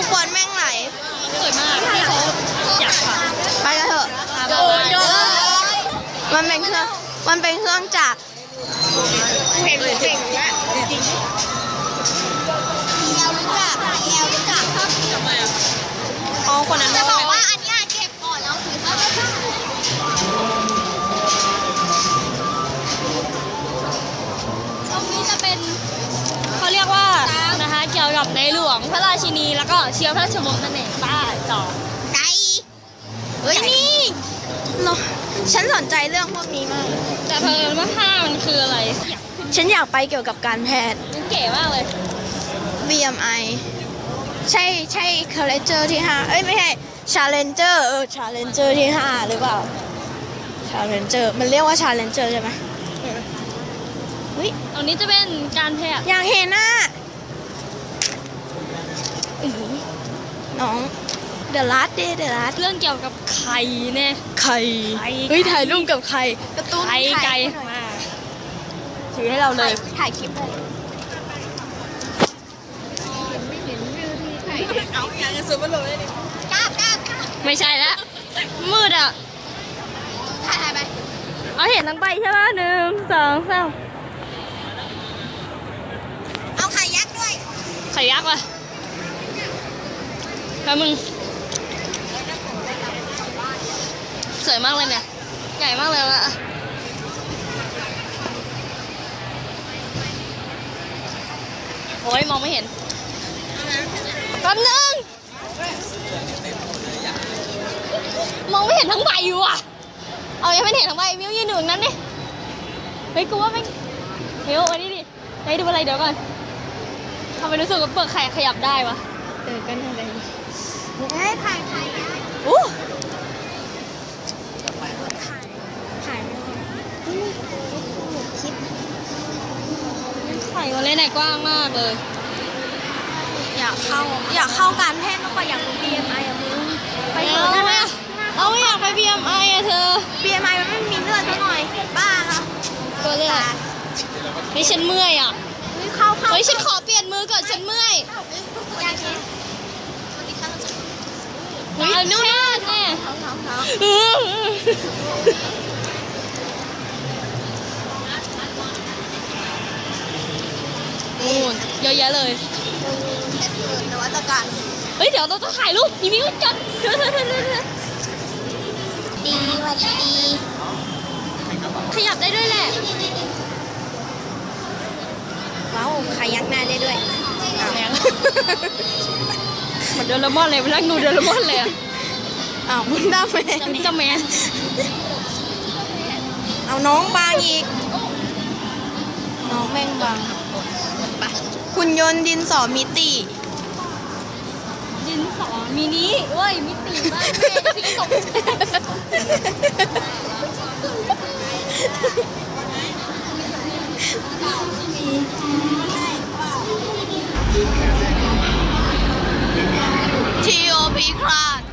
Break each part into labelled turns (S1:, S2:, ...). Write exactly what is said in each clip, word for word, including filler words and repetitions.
S1: กคนแม่งไหล
S2: สวยมากที่เขาอยากค่ะ
S1: ไปกันเถอะมันเป็นเครื่องมันเป็นเครื่องจักรเห็นเจ๋งแล้วจริงแอลรู้จักแอลรู้จักครับทำไมอ่ะอ๋อคนนั้นจะบอกว่าอันนี้เก็บก่อนแล้วถือว่า
S2: ตรงนี้จะเป็นเขาเรียกว่านะคะเกี่ยวกับในหลวงพระราชินีแล้วก็เชื้อพระราชวงศ์นั่นเองป้าจอ
S1: ไก่เฮ้ยนี่เนาะฉันสนใจเรื่องพวกนี้มาก
S2: แต่เพลินว่าผ้ามันคืออะไร
S1: ฉันอยากไปเกี่ยวกับการแพทย์
S2: เก๋มากเลย
S1: บี เอ็ม ไอ ใช่ใช่ Challenger ที่ห้าเอ้ยไม่ใช่ Challenger เออ Challenger ที่ห้าหรือเปล่า Challenger มันเรียกว่า Challenger ใช่ไหมเฮ้ย
S2: ตรงนี้จะเป็นการแพทย์
S1: อยากเห็นน่ะน้องเดอะลัสเดเดอะลัส
S2: เรื่องเกี่ยวกับไข่เนี่ย
S1: ไข่เฮ้ยถ่ายรูปกับไข่กระตุ้น
S2: ไข่ไก่มา
S1: ถือให้เราเลยถ่ายคลิปเลยเอาอย่างนี้สุดมันลงเลยดิกล้ากล้า
S2: ไม่ใช่ละมืดอ่ะ
S1: ถ่ายถ่ายไป
S2: เอาเห็นทั้งใบใช่ไหมหนึ่งสองสาม
S1: เอาไข่ยักษ์ด้วย
S2: ไข่ยักษ์ว่ะแล้วมึงสวยมากเลยเนี่ยใหญ่มากเลยละโอ้ยมองไม่เห็นแป๊บนึงมองไม่เห็นทั้งใบอยู่อ่ะเอายังไม่เห็นทั้งใบมิวยืนหนึ่งนั้นดิเฮ้ยกูว่าไม่มิวอันนี้ดิไหนดูอะไรเดี๋ยวก่อนทำไมรู้สึกว่าเปลือกไข่ขยับได้วะ
S1: เออกันอะไรให้ถ่ายถ่าย
S2: อู้
S1: ถ่ายคลิป
S2: ไข่วันเล่นไหนกว้างมากเลย
S1: อยากเข้าอยากเข้าการแพทย์มากกว่าอยากดู บี เอ็ม ไอ อ่ะมึง
S2: ไปเถอะนะเอาไม่อยากไป บี เอ็ม ไอ อ่ะเธอ
S1: บี เอ็ม ไอ มันไม่มีเลือดซะหน่อยบ้าค่ะ
S2: ตัวเลือดนี่ฉันเมื่อยอ่ะ
S1: เข้าเข้า
S2: เฮ้ยฉันขอเปลี่ยนมือก่อนฉันเมื่อย
S1: อยากเห็น
S2: เอานู่นแน่นู่นเยอะแยะเลย
S1: นวัตกรรม
S2: เฮ้ยเดี๋ยวเราต้องถ่ายรูปอีมิวจัดเธอเธอเธอเธอ
S1: ดีวันดี
S2: ขยับได้ด้วยแหละ
S1: ว้าวขยักหน้าได้ด้วย
S2: เหมือนเดลมอนเลยไปนั่งดูเดลมอนเลยอ่ะ
S1: อ้าวมึงได้ไหม
S2: จะแมน
S1: เอาน้องบางอีกน้องแม่งบางไปหุ่นยนต์ดินสอมิติ
S2: ดินสอมินิเว้ยมิติบ้านแม่พี่ตก
S1: ที โอ พี คลาส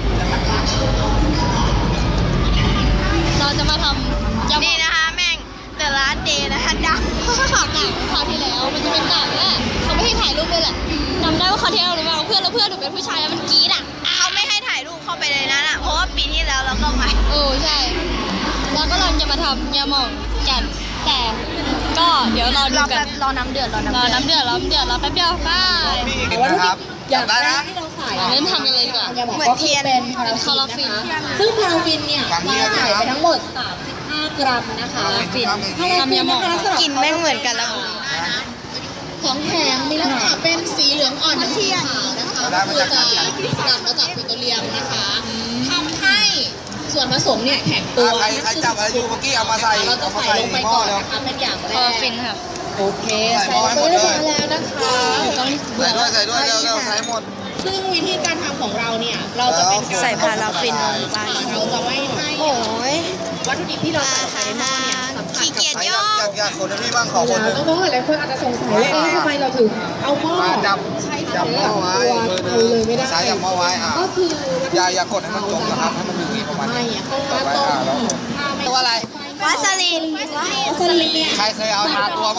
S2: เราจะมาทำ
S1: นี่นะคะแม่งแต่ละเดย์นะคะดัง
S2: ฉากหนังคราวที่แล้วมันจะเป็นหนังเนี่ยเขาไม่ให้ถ่ายรูปเลยแหละจำได้ว่าคราวที่แล้วหรือเปล่าเพื่อนแล้วเพื่อนหนูเป็นผู้ชายแล้วมันกรี๊ดอ่ะ
S1: เขาไม่ให้ถ่ายรูปเข้าไปในนั้นอ่ะเพราะว่าปีที่แล้วเราก็มา
S2: เออใช่แล้วก็เราจะมาทำยาหม่องกันแต่ก็เดี๋ยวรอดูกัน
S1: รอน้ำเดือดรอน้ำ
S2: รอน้ำเดือดรอน้ำเดือดรอแป๊บเดียวป้า
S3: นะครับอยากได้นะ
S2: เริ่มทำกันเลยดีกว่า
S1: เหมือนเทียน
S2: เป็นคาราฟิน
S4: ซึ่งพาราฟินเนี่ยเราใส่ไปทั้งหมดสามสิบห้ากรัมนะคะ
S2: คาราฟิน
S4: ทำยาหม่อง
S1: กินแม่งเหมือนกันแล้ว
S4: ของแถมมีลักษณะเป็นสีเหลืองอ่อนเทียนนะคะคือจะสกัดมาจากปิโตรเลียมนะคะทำให้ส่วนผสมเนี่ยแข็งตัว
S3: ใครใครจับอะไรอยู่เมื่อกี้เอามาใส่
S4: เราจะใส่ลงไปก่อนนะคะเป็นอย่างแรก
S2: คาราฟินค่ะ
S4: โอเคใส่ไปเรียบร้อยแล้วนะคะ
S3: ใส่ด้วยใส่ด้วยเร็วเร็วใส่หมด
S4: ซึ่งวิธีการทำของเราเนี่ยเราจะเป็น
S1: ใส่พาราฟินลงไป
S4: เราจะไม่ให้
S1: โอ้ย
S4: วัตถุดิบที่เราใส่ในหม้อเนี่ย
S1: ขี้เกียจย่อ
S3: อยากอยากคนที่บ้างขอคนนึง
S4: น้องๆหลายคนอาจจะสงสัยว่าเอ๊ะทำไมเราถึงเอาหม้อ
S3: จับจับหม้อไว้
S4: เอาเลยไม่ได้
S3: สายจับหม้อไว้อ่ะ
S4: ก็คือ
S3: อย่าอย่ากดให้มันจมนะครับให้มันอยู่ที่ประมาณ
S4: ไม่
S3: นี้
S4: ต้องมาต้ม
S3: ตัวอะไร
S1: วาสลิน
S4: วาสลินเนี่ย
S3: ใครเคยเอาทาตัวมั้ย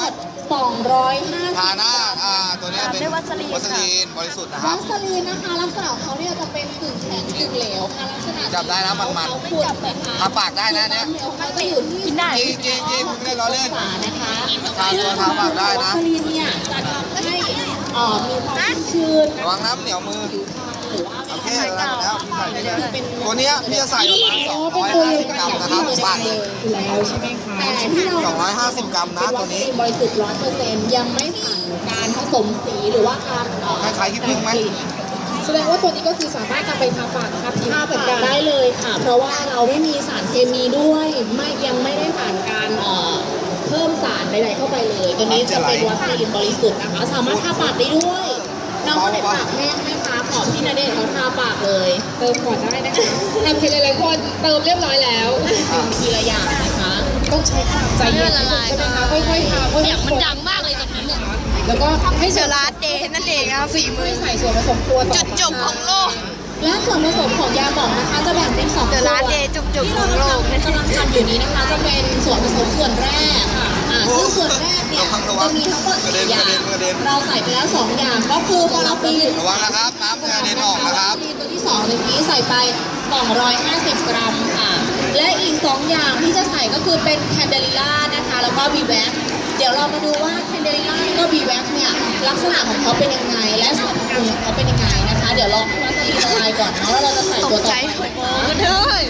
S4: สองร้อยห้าสิบ
S3: ทาหน้าอ่าตัวเนี้ยเป็น
S1: ด้วยวัสลีน
S3: วัสลีนบริสุทธิ์นะค
S4: วั
S3: รับ
S4: สลีนนะคะลักษณะของเขาเนี่ยจะเป็นกึ่งแข็งกึ่งเหลวค่ะลักษณะ
S3: จับได้นะมันๆ
S4: เขาขวดนะคะ
S3: ทาปากได้นะเนี่ย
S4: มันจะอยู่ที่
S1: กินได้
S3: จริงจริงจริงไม่ได้ล้อเล่น
S4: ฝานะคะ
S3: ทาตัวทาปากได้นะ
S4: วัสลีนเนี่ยจะทำให้เอ่อมีความชื้น
S3: ระวังน้ำเหนียวมือ
S4: หรือว่า
S3: โอเคแล้วแล้วพี่ใส่ไปเลย
S4: เป็น
S3: ตัวเนี้ยพี่จะใส่ประมาณสองร้อยห้าสิบกรัมนะครับปากเลย
S4: แล้วใช่ไหมคะแต่ที่เรา
S3: สองร้อยห้าสิบกรัมนะตัวนี้
S4: บริสุทธิ์ร้อยเปอร์เซ็นต์ยังไม่ผ่านการผสมสีหรือว่าการเอ่อ
S3: คล้ายๆขี้ผึ้งไหม
S4: แสดงว่าตัวนี้ก็คือสามารถนำไปทาปากทาผิวทาปากได้เลยค่ะ เพราะว่าเราไม่มีสารเคมีด้วยไม่ยังไม่ได้ผ่านการเอ่อเพิ่มสารใดๆเข้าไปเลย ตัวนี้จะเป็นวัสลีนบริสุทธิ์นะคะ สามารถทาปากได้ด้วยน้องคนไหนปากแห้งไหมคะขอพี่ณเดชน์เขาทาปากเลย เติมก่อนได้นะคะทำทีละหลายคนเติมเรียบร้อยแล้วทีละอย่างนะคะต้องใช้ความใจเย็น
S2: ละลาย
S4: ใช่ไหมคะค่อยๆทาค่อยๆ
S2: เสียงมันดังมากเลยตอนนี้เนี่ย
S4: แล้วก็ให้
S1: เดอะลาสเดย์นั่นเองนะคะฝีมือ
S4: ใส่ส่วนผสมตัวต่อ
S1: จุดจบของโลก
S4: และส่วนผสมของยาหมองนะคะจะแบ่งเป็นสอง
S1: เด
S4: ส่
S1: อะ
S4: วน
S1: ลาสเดย์จุกจุก
S4: ที่
S1: ขอ
S4: เรา
S1: งโลก
S4: กำลังกำลังทำอยู่นี้นะคะ จะเป็นส่วนผสมส่วนแรกค่ะอ่าซึ่งส่วนแรกเนี่ยจะมีทั้งหมดสี่อย่างเราใส่ไปแล้วสองอย่างก็คือพอเราปีน
S3: ระวังนะครับน้ำกระเด็นออกนะครับ
S4: ตัวที่สองเลยนี้ใส่ไปสองร้อยห้าสิบกรัมค่ะ และอีกสองอย่างที่จะใส่ก็คือเป็นแคนเดลิล่านะคะแล้วก็บีแว็กเดี๋ยวเรามาดูว่าแคนเดลิล่าแล้วก็บีแว็กเนี่ยลักษณะของเขาเป็นยังไงและสรรพคุณของเขาเป็นยังไงนะคะ เดี๋ยวลองให้วัสลีนละลายก่อนเนาะแล้วเราจะใส่ตัวต่อไปนะคะ
S2: เฮ้ย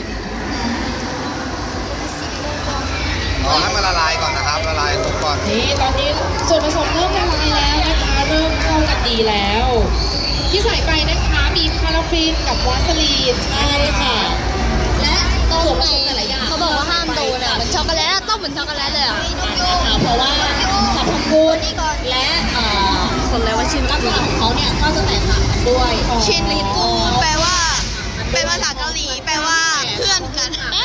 S3: รอให้มันละลายก่อนนะครับละลายลงก่อน
S4: นี่ตอนนี้ส่วนผสมเริ่มละลายแล้วนะคะเริ่มเข้ากันดีแล้ว ที่ใส่ไปนะคะมีพาราฟินกับวาสลีนใช่ค่ะ และส่วนผสมแต่ละอย่าง
S2: เขาบอกว่าห้ามโดนอ่ะเหมือนช็อกโกแลตต้องเหมือนช็อกโกแลตเลยอ่ะ
S4: นะคะเพราะว่าสรรพคุณและเอ่อ
S1: คนเลยว่าชิน
S4: ลักษณะของเขาเนี่ยก็จะแตกต่างกันด้วย
S1: ชินลิกุแปลว่า เป็นภาษาเกาหลี แปลว่าเพื่อนกัน
S4: แ